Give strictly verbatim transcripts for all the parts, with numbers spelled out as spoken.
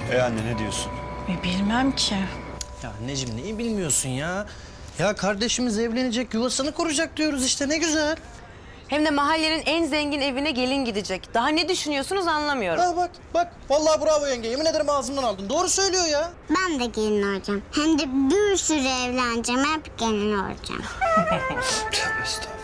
E anne ne diyorsun? E, bilmem ki. Ya anneciğim neyi bilmiyorsun ya? Ya kardeşimiz evlenecek, yuvasını kuracak diyoruz işte, ne güzel. Hem de mahallenin en zengin evine gelin gidecek. Daha ne düşünüyorsunuz anlamıyorum. Ha bak, bak. Vallahi bravo yenge. Yemin ederim ağzımdan aldın. Doğru söylüyor ya. Ben de gelin olacağım. Hem de bir sürü evleneceğim. Hep gelin olacağım. Estağfurullah.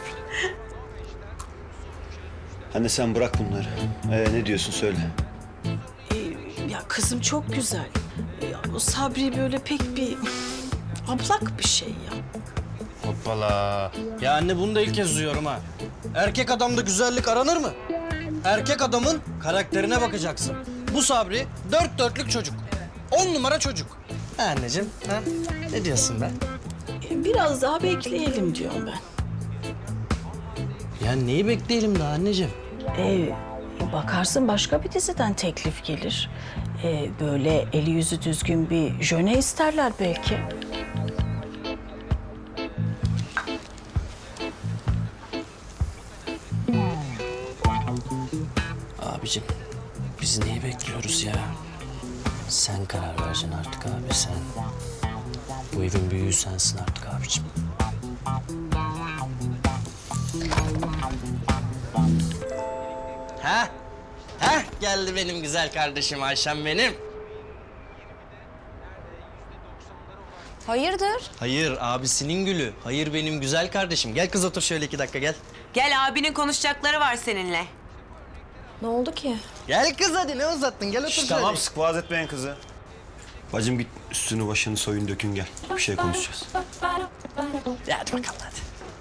Anne sen bırak bunları. Ee, ne diyorsun söyle. E, ya kızım çok güzel. E, o Sabri böyle pek bir ablak bir şey ya. Hoppala. Ya anne bunu da ilk kez duyuyorum ha. Erkek adamda güzellik aranır mı? Erkek adamın karakterine bakacaksın. Bu Sabri dört dörtlük çocuk. On numara çocuk. Ha anneciğim, ha? Ne diyorsun be? E, biraz daha bekleyelim diyorum ben. Ya neyi bekleyelim daha anneciğim? E, bakarsın başka bir diziden teklif gelir. E, böyle eli yüzü düzgün bir jöne isterler belki. Abicim, biz neyi bekliyoruz ya? Sen karar vereceksin artık abi, sen. Bu evin büyüğü sensin artık abicim. Ha? Ha? Geldi benim güzel kardeşim Ayşem benim. Hayırdır? Hayır, abisinin gülü. Hayır benim güzel kardeşim. Gel kız otur şöyle iki dakika gel. Gel abinin konuşacakları var seninle. Ne oldu ki? Gel kız hadi, ne uzattın? Gel otur şöyle. Tamam sık boğaz etmeyin kızı. Bacım git üstünü başını soyun dökün gel. Bir şey konuşacağız. Hadi bakalım hadi.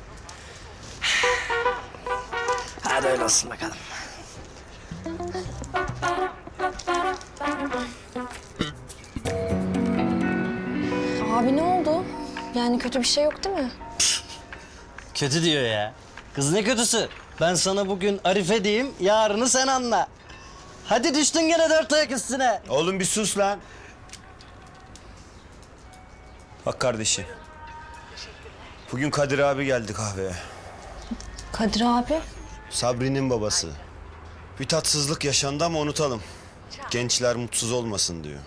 Hadi öyle olsun bakalım. Abi ne oldu? Yani kötü bir şey yok değil mi? Kötü diyor ya. Kız ne kötüsü? Ben sana bugün Arife diyeyim, yarını sen anla. Hadi düştün gene dört ayak üstüne. Oğlum bir sus lan. Bak kardeşim. Bugün Kadir abi geldi kahveye. Kadir abi. Sabri'nin babası. Bir tatsızlık yaşandı ama unutalım. Gençler mutsuz olmasın diyor.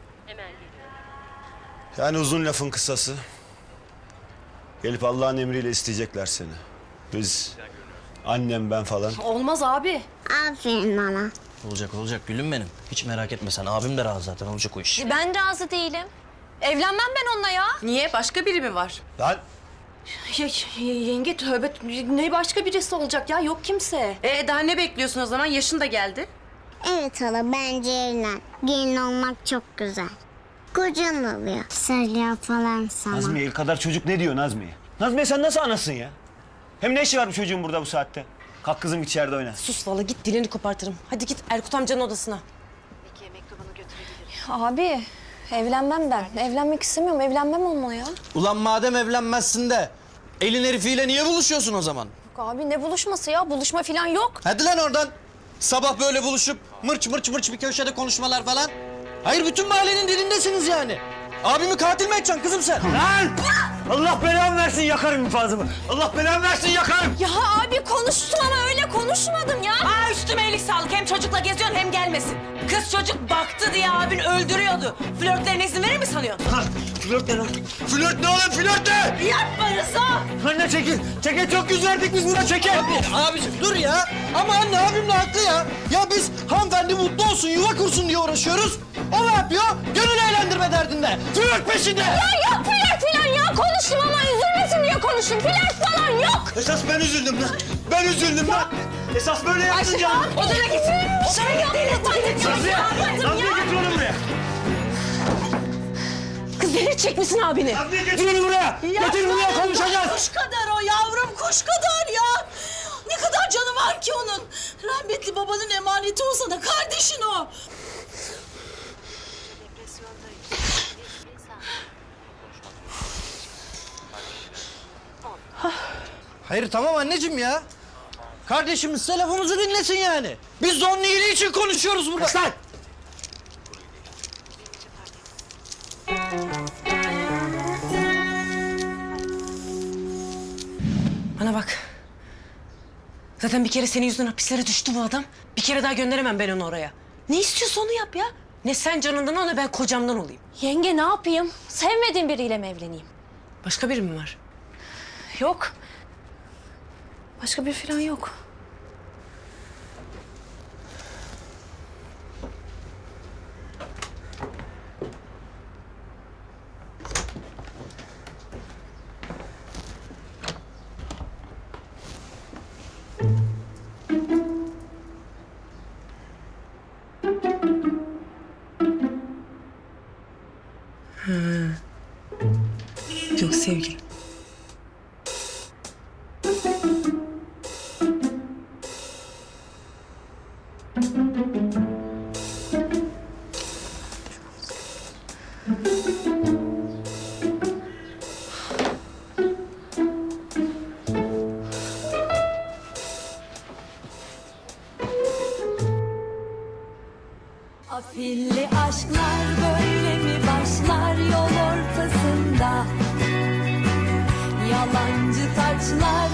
Yani uzun lafın kısası. Gelip Allah'ın emriyle isteyecekler seni. Biz, annem ben falan. Olmaz abi. Aferin bana. Olacak olacak gülüm benim. Hiç merak etme sen. Abim de razı zaten, olacak o iş. Ben razı değilim. Evlenmem ben onunla ya. Niye? Başka biri mi var? Lan Ya, y- yenge tövbe ne başka birisi olacak ya yok kimse. Ee daha ne bekliyorsun o zaman? Yaşın da geldi. Evet hala bence evlen. Gelin olmak çok güzel. Kocan oluyor. Söylüyor falan sana. Nazmiye el kadar çocuk ne diyor Nazmiye? Nazmiye sen nasıl anasın ya? Hem ne işi var bu çocuğun burada bu saatte? Kalk kızım içeride oyna. Sus vallahi git dilini kopartırım. Hadi git Erkut amcanın odasına. Abi evlenmem ben. Evlenmek istemiyorum. Evlenmem onunla ya. Yok Ulan madem evlenmezsin de elin herifiyle niye buluşuyorsun o zaman? abi ne buluşması ya? Buluşma falan yok. Hadi lan oradan. Sabah böyle buluşup mırç mırç mırç bir köşede konuşmalar falan. Hayır bütün mahallenin dilindesiniz yani. Abimi katil mi edeceksin kızım sen? Lan! Allah belamı versin yakarım infazımı. Allah belamı versin yakarım. Ya abi konuştum ama öyle konuşmadım ya. Aa üstüme iyilik sağlık. Hem çocukla geziyorsun hem gelmesin. Kız çocuk baktı diye abin öldürüyordu. Flörtlerine izin verir mi sanıyorsun? Ha, flört ne lan? Flört ne oğlum flört ne? Yapma Rıza! Anne çekil. Çekil çok yüz verdik biz buna çekil. Abiciğim dur ya. Ama anne abim de haklı ya. Ya biz hanımefendi mutlu olsun, yuva kursun diye uğraşıyoruz. O ne yapıyor? Gönül eğlendirme derdinde. Flört peşinde. Ya yok flört falan ya. Konuştum ama üzülmesin diye konuştum. Flört falan yok. Esas ben üzüldüm lan. Ben üzüldüm lan. Esas böyle yaptın canım. Odana git. Odana git. Nazmiye. Nazmiye getir onu buraya. Kız delirtecek misin abini? Nazmiye getir onu buraya. Getir buraya konuşacağız. Kuş kadar o yavrum, kuş kadar ya. Ne kadar canı var ki onun. Rahmetli babanın emaneti olsa da kardeşin o. Hayır tamam anneciğim ya. Kardeşimiz lafımızı dinlesin yani. Biz de onun iyiliği için konuşuyoruz burada. Lan! Bana bak. Zaten bir kere senin yüzünden hapislere düştü bu adam. Bir kere daha gönderemem ben onu oraya. Ne istiyorsa onu yap ya. Ne sen canından ol ne ben kocamdan olayım. Yenge ne yapayım? Sevmediğim biriyle mi evleneyim? Başka biri mi var? Yok. Başka bir falan yok. Yok sevgilim. Afilli aşklar böyle mi başlar yol ortasında? Yalancı taçlar